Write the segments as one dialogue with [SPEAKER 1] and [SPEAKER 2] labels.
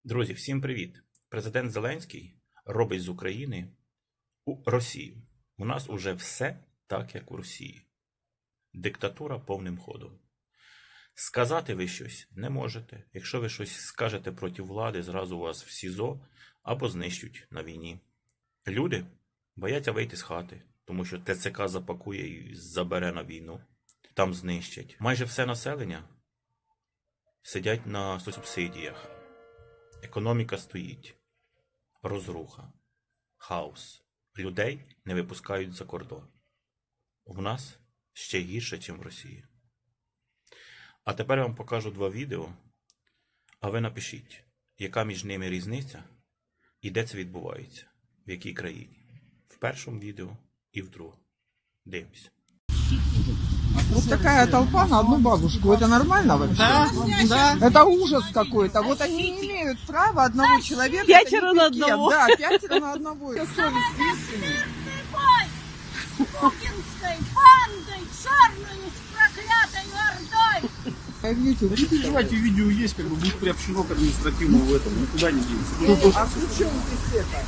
[SPEAKER 1] Друзі, всім привіт! Президент Зеленський робить з України Росію. У нас уже все так, як у Росії. Диктатура повним ходом. Сказати ви щось не можете. Якщо ви щось скажете проти влади, зразу вас в СІЗО або знищуть на війні. Люди бояться вийти з хати, тому що ТЦК запакує і забере на війну. Там знищать. Майже все населення сидять на субсидіях. Економіка стоїть, розруха, хаос. Людей не випускають за кордон. У нас ще гірше, ніж в Росії. А тепер я вам покажу два відео, а ви напишіть, яка між ними різниця і де це відбувається, в якій країні. В першому відео і в другому. Дивимось.
[SPEAKER 2] Вот такая толпа на одну бабушку. Это нормально вообще?
[SPEAKER 3] Да.
[SPEAKER 2] Это ужас какой-то. Вот они не имеют права одного человека.
[SPEAKER 3] Пятеро на одного.
[SPEAKER 2] Да, пятеро на одного. Совесть искренняя.
[SPEAKER 4] Путинской бандой, черной с проклятой ордой.
[SPEAKER 2] Видите,
[SPEAKER 5] Да не переживайте, видео есть, как бы будет приобщено к административному в этом, никуда не денется.
[SPEAKER 2] а при чем здесь это?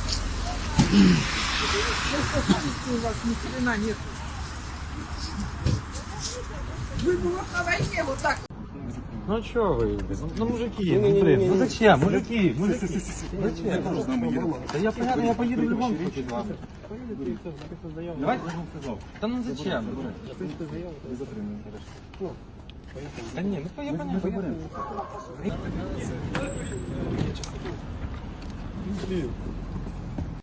[SPEAKER 2] Просто совести у вас ни хрена нет. Вы бы вот на войне вот так.
[SPEAKER 6] Ну что вы, ну мужики, ну блин, ну зачем, мужики, зачем? Да я понятно, я поеду в любом случае. Давайте. Да ну зачем? Да не, ну я понятно.